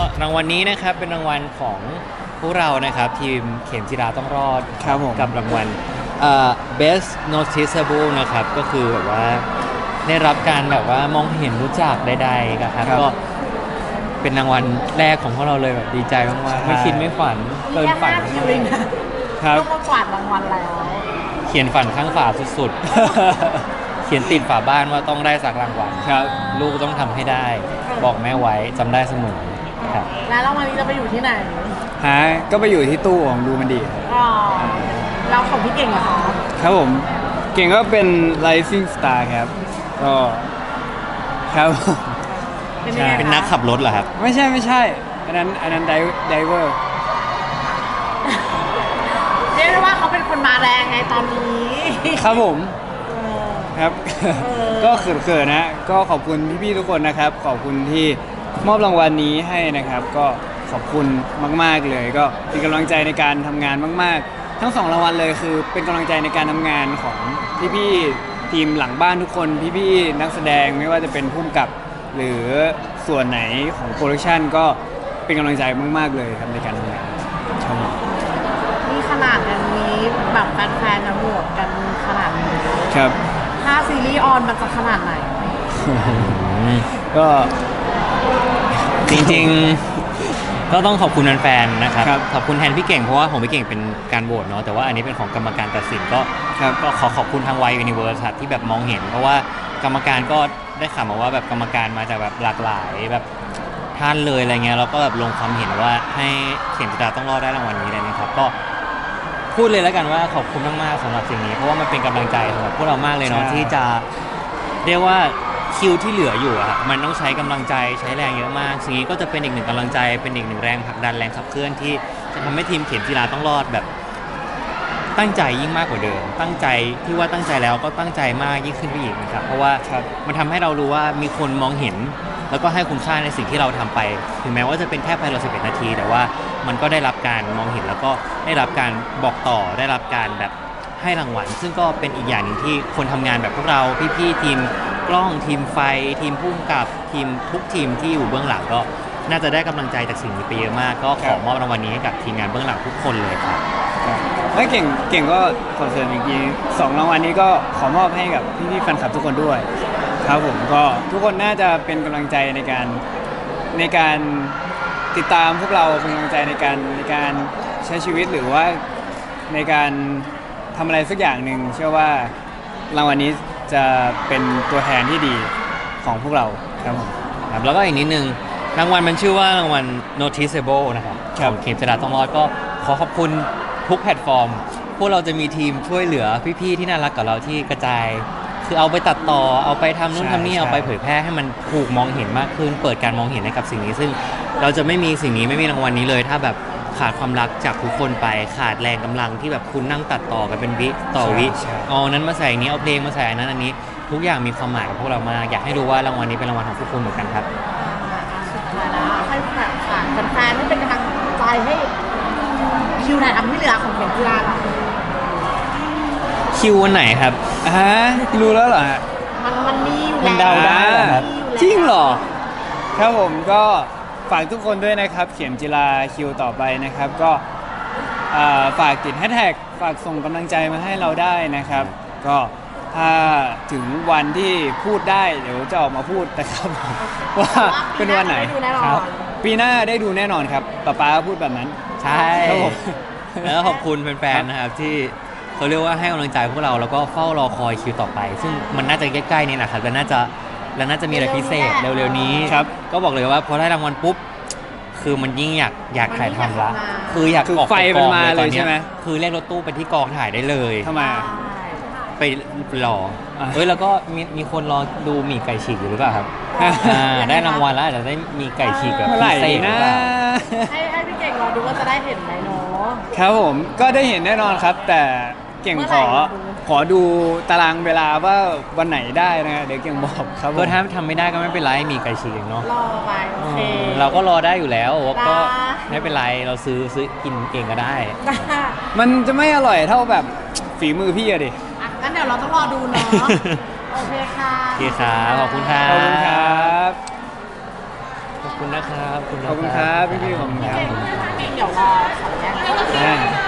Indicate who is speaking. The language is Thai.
Speaker 1: รางวัลนี้นะครับเป็นรางวัลของพวกเรานะครับทีมเข็มจิราต้องรอด
Speaker 2: ครับผม
Speaker 1: กับรางวัลbest noticeable นะครับก็คือแบบว่าได้รับการแบบว่ามองเห็นรู้จักใดๆครับก็เป็นรางวัลแรกของพวกเราเลยแบบดีใจมากๆไม่คิดไม่ฝันเกินฝัน
Speaker 3: คิวเองนะครับต้องมากวาดรางวัลแล้ว
Speaker 1: เขียนฝันข้างฝาสุดๆ เขียนติดฝาบ้านว่าต้องได้สักรางวัล
Speaker 2: ครับ
Speaker 1: ลูกต้องทำให้ได้ บอกแม่ไว้จำได้เสมอครับ
Speaker 3: แล้วรางวัลนี้จะไปอยู่ที่ไหน
Speaker 2: ก็ไปอยู่ที่ตู้ของดูมันดีครับ
Speaker 3: อ๋อเราของพี่เก่งเหรอคะ
Speaker 2: ครับผมเก่งก็เป็น Rising Star ครับก็ครับ
Speaker 3: เป็นยังไงคะ
Speaker 1: เป็นนักขับรถเหรอครับ
Speaker 2: ไม่ใช่อันนั้นไดเวอร์
Speaker 3: เรียกได้ว่าเขาเป็นคนมาแรงไงตอนนี้
Speaker 2: ครับผม
Speaker 3: เออ
Speaker 2: ครับ ก็เขินๆนะก็ขอบคุณพี่ๆทุกคนนะครับขอบคุณที่มอบรางวัลนี้ให้นะครับ ก็ขอบคุณมากๆเลย ก็เป็นกำลังใจในการทำงานมากๆ ทั้ง2รางวัลเลยคือเป็นกำลังใจในการทำงานของพี่ๆทีมหลังบ้านทุกคนพี่ๆนักแสดงไม่ว่าจะเป็นผู้กำกับ หรือส่วนไหนของโปรดักชันก็เป็นกำลังใจมากๆเลยครับในการทำงานครับผม
Speaker 3: นี่ขนาดกันนี้แบบแฟนๆนะโหวตกันขนาดนี้
Speaker 2: ครับ
Speaker 3: ถ้าซีรีส์ออนมันจะขนาดไหน
Speaker 2: ก็
Speaker 1: จริงๆก็ต้องขอบคุณแฟนๆนะครับ
Speaker 2: ครับ
Speaker 1: ขอบคุณแทนพี่เก่งเพราะว่าของพี่เก่งเป็นการโหวตเนาะแต่ว่าอันนี้เป็นของกรรมการตัดสินก็
Speaker 2: ครับ
Speaker 1: ก็ขอบคุณทางวายยูนิเวิร์สที่แบบมองเห็น เพราะว่ากรรมการก็ได้ข่าวมาว่าแบบกรรมการมาจากแบบหลากหลายแบบท่านเลยอะไรเงี้ยแล้วก็แบบลงความเห็นว่าให้เข็มจิตราต้องรอดได้รางวัลนี้เลยนะครับก็พูดเลยแล้วกันว่าขอบคุณมากๆสำหรับสิ่งนี้เพราะว่ามันเป็นกำลังใจสำหรับพวกเรามากเลยเนาะ
Speaker 2: ใช่
Speaker 1: ที่จะเรียกว่าคิวที่เหลืออยู่อะครับมันต้องใช้กำลังใจใช้แรงเยอะมากสิ่งนี้ก็จะเป็นอีกหนึ่งกำลังใจเป็นอีกหนึ่งแรงผลักดันแรงขับเคลื่อนที่จะทำให้ทีมเข็มจิราต้องรอดแบบตั้งใจยิ่งมากกว่าเดิมตั้งใจที่ว่าตั้งใจแล้วก็ตั้งใจมากยิ่งขึ้นไปอีกนะครับเพราะว่า
Speaker 2: ครับ
Speaker 1: มันทำให้เรารู้ว่ามีคนมองเห็น แล้วก็ให้คุณค่าในสิ่งที่เราทำไป ถึงแม้ว่าจะเป็นแค่ภายใน11 นาที แต่ว่ามันก็ได้รับการมองเห็นแล้วก็ได้รับการบอกต่อได้รับการแบบให้รางวัล ซึ่งก็เป็นอีกอย่างหนึ่งที่คนทำงานแบบพวกเราพี่ๆทีมกล้องทีมไฟทีมผู้กำกับทีมทุกทีมที่อยู่เบื้องหลังก็น่าจะได้กำลังใจจากสิ่งนี้ไปเยอะมาก ก็ขอมอบรางวัลนี้ให้กับทีมงานเบื้องหลังทุกคนเลยครับ
Speaker 2: ไม่เก่งก็ขอเสริมอีกที2รางวัลนี้ก็ขอมอบให้กับพี่ๆแฟนคลับทุกคนด้วย ครับผมก็ทุกคนน่าจะเป็นกำลังใจในการติดตามพวกเราเป็นกำลังใจในการใช้ชีวิตหรือว่าในการทำอะไรสักอย่างหนึ่งเชื่อว่ารางวัลนี้จะเป็นตัวแทนที่ดีของพวกเราครับผม
Speaker 1: ครับแล้วก็อีกนิดนึงรางวัลมันชื่อว่ารางวัล noticeable นะครับ
Speaker 2: ครับ
Speaker 1: ของเข็มจิราต้องรอดก็ขอขอบคุณทุกแพลตฟอร์ม พวกเราจะมีทีมช่วยเหลือพี่ๆที่น่ารักกับเราที่กระจาย คือเอาไปตัดต่อเอาไปทำนู่นทำนี่เอาไปเผยแพร่ให้มันถูกมองเห็นมากขึ้น เปิดการมองเห็นให้กับสิ่งนี้ ซึ่งเราจะไม่มีสิ่งนี้ไม่มีรางวัลนี้เลย ถ้าแบบขาดความรักจากทุกคนไปขาดแรงกำลังที่แบบคุณนั่งตัดต่อกันเป็นวิต่อวิ
Speaker 2: ใช่
Speaker 1: เอาอันนั้นมาใส่อันนี้เอาเพลงมาใส่อันนั้นอันนี้ ทุกอย่างมีความหมายกับพวกเรามากอยากให้รู้ว่ารางวัลนี้เป็นรางวัลของทุกคนเหมือนกันครับ
Speaker 3: สุดท้ายแล้วให้แบบฝากแฟนๆให้เป็นกำลังใจให้คิวถ่ายทำที่เหลือของเข็มกีฬาหน่อย
Speaker 1: คิววันไหนครับ
Speaker 2: รู้แล้วเหรอฮะ
Speaker 3: มันมีอยู่
Speaker 1: มัน
Speaker 3: แล้ว
Speaker 1: เดาได้เหรอครับ
Speaker 3: มีอยู่แล้ว
Speaker 2: จริงเหรอ ครับผมก็ฝากทุกคนด้วยนะครับ เขียนจิลาคิวต่อไปนะครับ ก็ฝากติดแฮชแท็กฝากส่งกำลังใจมาให้เราได้นะครับ ก็ถ้าถึงวันที่พูดได้เดี๋ยวจะออกมาพูดนะครับ ว่าเป็นวันไหน
Speaker 3: ปีาจะด้ดูแน่นอน
Speaker 2: ครับปีหน้าได้ดูแน่นอนครับป๊าพูดแบบนั้น
Speaker 1: ใช่
Speaker 2: ครับผม
Speaker 1: แล้วขอบคุณแฟนๆนะครับที่เขาเรียกว่าให้กำลังใจพวกเราแล้วก็เฝ้ารอคอยคิวต่อไป ซึ่งมันน่าจะใกล้ๆนี่แหละครับแล้วน่าจะมีอะไรพิเศษเร็วๆนี้
Speaker 2: ครับ
Speaker 1: ก็บอกเลยว่าพอได้รางวัลปุ๊บคือมันยิ่งอยากถ่ายทำละคืออยาก
Speaker 2: คือ
Speaker 1: ออก
Speaker 2: ไฟ
Speaker 1: ไปก
Speaker 2: มัน
Speaker 1: อง
Speaker 2: มา
Speaker 1: เลยตอน
Speaker 2: เลยใช่
Speaker 1: เนี้ย
Speaker 2: ไหม
Speaker 1: คือเรียกรถตู้ไปที่กองถ่ายได้เลย
Speaker 2: ทำไมอะ
Speaker 1: ไปรอ
Speaker 2: อ่ะ
Speaker 1: แล้วก็มีคนรอดูหมี่ไก่ฉีกอยู่หรือเปล่าครับได้รางวัลแล้วอาจจะได้มีไก่ฉีกแบบ
Speaker 2: เมื่อ
Speaker 1: พิ
Speaker 2: ไหร่
Speaker 1: เศษหรื
Speaker 2: นะ
Speaker 1: อเปล่า
Speaker 3: ให้พี่เก่งรอดูว่าจะได้เห็นไหมเนาะ
Speaker 2: ครับผมก็ได้เห็นแน่นอนครับ แต่เก่ง
Speaker 3: เมื่อไหร่
Speaker 2: ขอดูตารางเวลาว่าวันไหนได้นะเดี๋ยวเก่งบอกครับผม
Speaker 1: ก็ถ้าทำไม่ได้ก็ไม่เป็นไรมีไก่ฉีกเองเนาะ
Speaker 3: รอไปโอเค
Speaker 1: เราก็รอได้อยู่แล้วก็
Speaker 3: ได้
Speaker 1: ไม่เป็นไรเราซื้อกินเองก็ได้
Speaker 2: มันจะไม่อร่อยเท่าแบบฝีมือพี่อะดิ
Speaker 3: อ่ะงั้นเดี๋ยวเราต้องรอดูเนาะ โอเคค่ะ
Speaker 1: โอเคครับขอบคุณครั
Speaker 2: ขอบคุณครับ บ
Speaker 1: คุณนะครับ
Speaker 2: ขอบคุณครับพี่ๆขอบคุณครับ
Speaker 3: เดี๋ยวรอขอแยก
Speaker 2: อ่า